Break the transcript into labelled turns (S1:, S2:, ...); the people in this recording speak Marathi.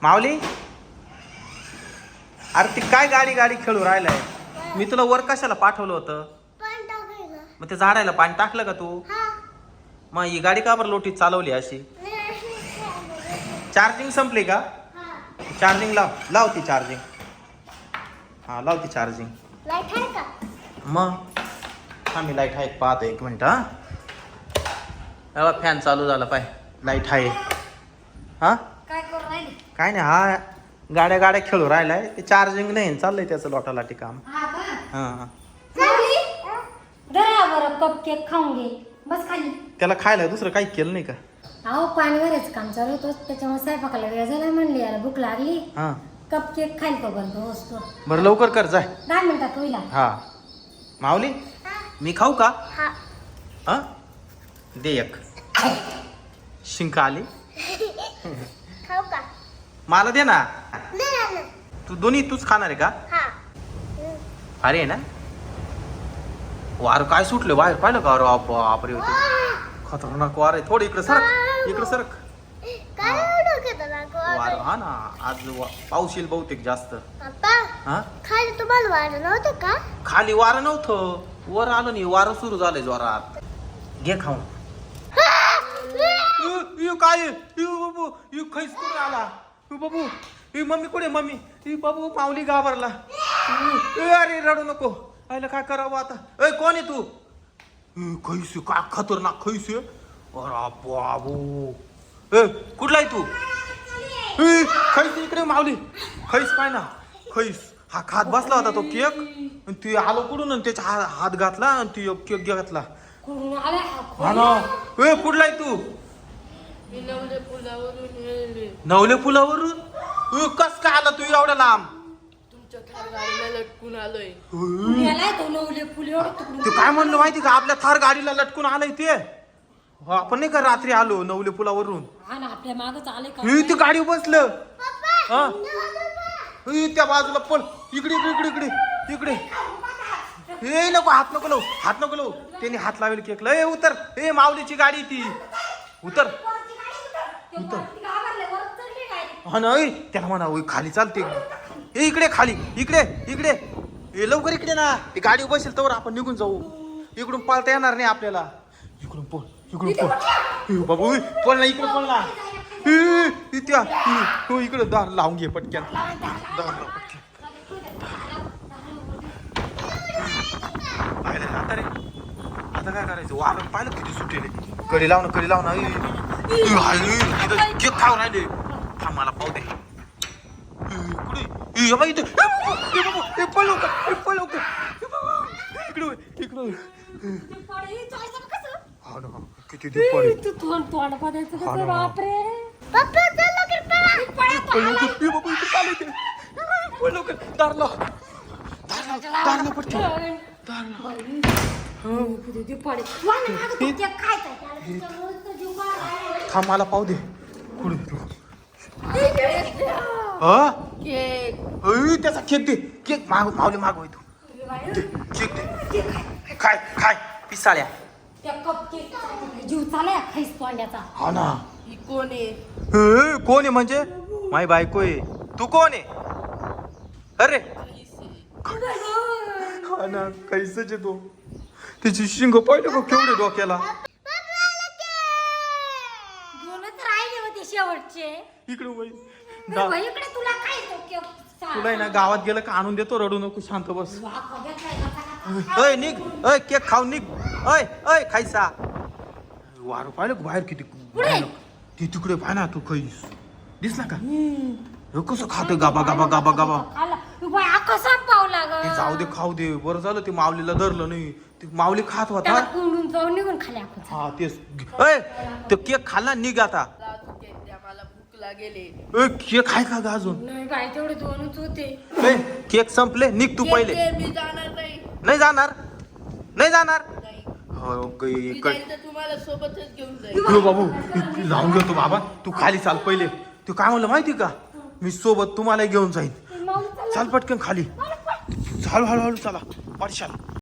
S1: माऊली, अरे ती काय गाडी गाडी खेळू राहिलाय? मी तुला वर कशाला पाठवलं होतं? मग ते झाडायला पाणी टाकलं का तू? मग ही गाडी का बरं लोटीत चालवली अशी? चार्जिंग संपली का? चार्जिंग लाव ती चार्जिंग. हा लाव ती चार्जिंग.
S2: लाईट आहे का?
S1: मग हा मी लाईट आहे पाहतो, एक मिनिट. हा फॅन चालू झाला पाय, लाईट आहे. हा
S2: काय करू राहिले?
S1: काय नाही, हा गाड्या गाड्या खेळू राहिलाय. ते चार्जिंग नाही, चाललंय त्याचं लोटालाटी काम.
S2: हा का?
S1: हा
S2: चालली? धरा बरं कप केक खाऊन घे. बस खाली.
S1: त्याला खायला दुसरं काही केलं नाही का?
S2: अहो पाणी भरायचं काम चालू होतं, त्याच्यामुळे स्वयंपाकाला वेळ झाला. म्हणली यार भूक लागली,
S1: हा
S2: कप केक खाईल तो बंद वस्तू.
S1: बरं लवकर कर जाय.
S2: 10 मिनिटात होईल.
S1: हा माऊली, मी खाऊ का? हा दे एक. शिंक आली.
S2: खाऊ का?
S1: मला दे ना. तू दोन्ही तूच खाणार आहे का? अरे आहे ना, वार काय सुटले बाहेर, पाहिलं का? अरे बापरे, होते खतरनाक वार आहे. थोडं इकडे सरक, इकडे सरक. वार हा ना, आज पाऊस येईल बहुतेक जास्त. हा
S2: खाली तुम्हाला वारं नव्हतं का?
S1: खाली वारं नव्हतं, वर आलं नाही. वारं सुरू झालंय जोरात. घे खाऊन. काय बाबू, खैस कुठे आला बाबू? मम्मी कुठे? मम्मी बाबू, माऊली घाबरला. अरे रडू नको. आयला काय करावं आता? कोण आहे तू? खैस का खतरनाक खैस. अरे बाबू, कुठला आहे तू? खैस इकडे. माऊली खैस पाय ना, खैस. हा खात बसला होता तो केक, ती आलो कुठून आणि त्याचा हात घातला आणि ती केक घातला. हा ना. कुठला आहे तू? नवले पुलावरून. कस काय आला तू एवढ्या लांब?
S3: तुमच्या थार गाडीला लटकून आलोय.
S1: ते काय म्हणलं माहिती का? आपल्या थार गाडीला लटकून आलंय ते. आपण नाही का रात्री आलो नवले पुलावरून.
S2: आपल्या मागच आले का?
S1: ते गाडी बसलं. हा त्या बाजूला पळ. इकडे इकडे इकडे इकडे इकडे. नको, हात नको लावू, हात नको लावू. त्याने हात लावेल केकला. उतर. माऊलीची गाडी ती. उतर उतर. हा ना, त्याला म्हणा खाली चालते. इकडे खाली, इकडे इकडे. लवकर इकडे ना. गाडी बसेल तर आपण निघून जाऊ. इकडून पळता येणार नाही आपल्याला. इकडून पळ, इकडून पळ. बाबू पळ ना, इकडे पळ ना. इकडे दार लावून घे पटक्यान. दार लाव पटक्यान. पाहिलं ना आता रे? आता काय करायचं? वारं पाहिलं किती सुटेले. कडी लावणं, कडी लावणं. केक खाऊ राहिले. थांब मला पाहू दे. कुठे इथे? पळ लवकर, पळ लवकर. इकडे इकडे. हा ना, किती दुपारी. थांब मला पाहू दे. त्याचा केक दे. केक माऊली मागवाय तू. केक दे. काय काय पिसाळ्या.
S2: जीव चालाय खैस तोंड्याचा.
S1: हा ना.
S3: ही कोण आहे?
S1: कोण आहे म्हणजे? माई बायको आहे. तू कोण आहे? अरे हा ना, कैसच आहे तो. त्याची शिंग पाहिलं का केवढे डोक्याला.
S2: शेवटचे
S1: इकडे
S2: इकडे तुला काय
S1: तुला आहे ना, गावात गेलं का आणून देतो. रडू नको, शांत बस. निघ. केक खाऊन निघ. खायचा. वारू पाहिलं बाहेर किती. ती तिकडे पाय ना, तू खैस दिसला का? कसं खातं गाबा गाबा गाबा गाबा.
S2: कसा पावला
S1: ते जाऊ दे, खाऊ दे. बरं झालं ते माऊलीला धरलं नाही. ते माऊली खात होता.
S2: निघून खाली आपण.
S1: हा तेच. तो केक खाल्ला. निघ आता.
S3: मला भूक लागेल.
S1: केक आहे का ग अजून?
S2: नाही बाई, तेवढे 2च होते.
S1: केक संपले. निघ तू पहिले.
S3: मी जाणार नाही.
S1: नाही जाणार? नाही जाणार?
S3: तुम्हाला सोबतच घेऊन जाईल.
S1: बाबू लावून घेतो बाबा. तू खाली चाल पहिले. तू काय म्हणलं माहिती का? मी सोबत तुम्हाला घेऊन जाईन. चाल पटकन खाली. चाल, हळूहळू चला. पडशाल.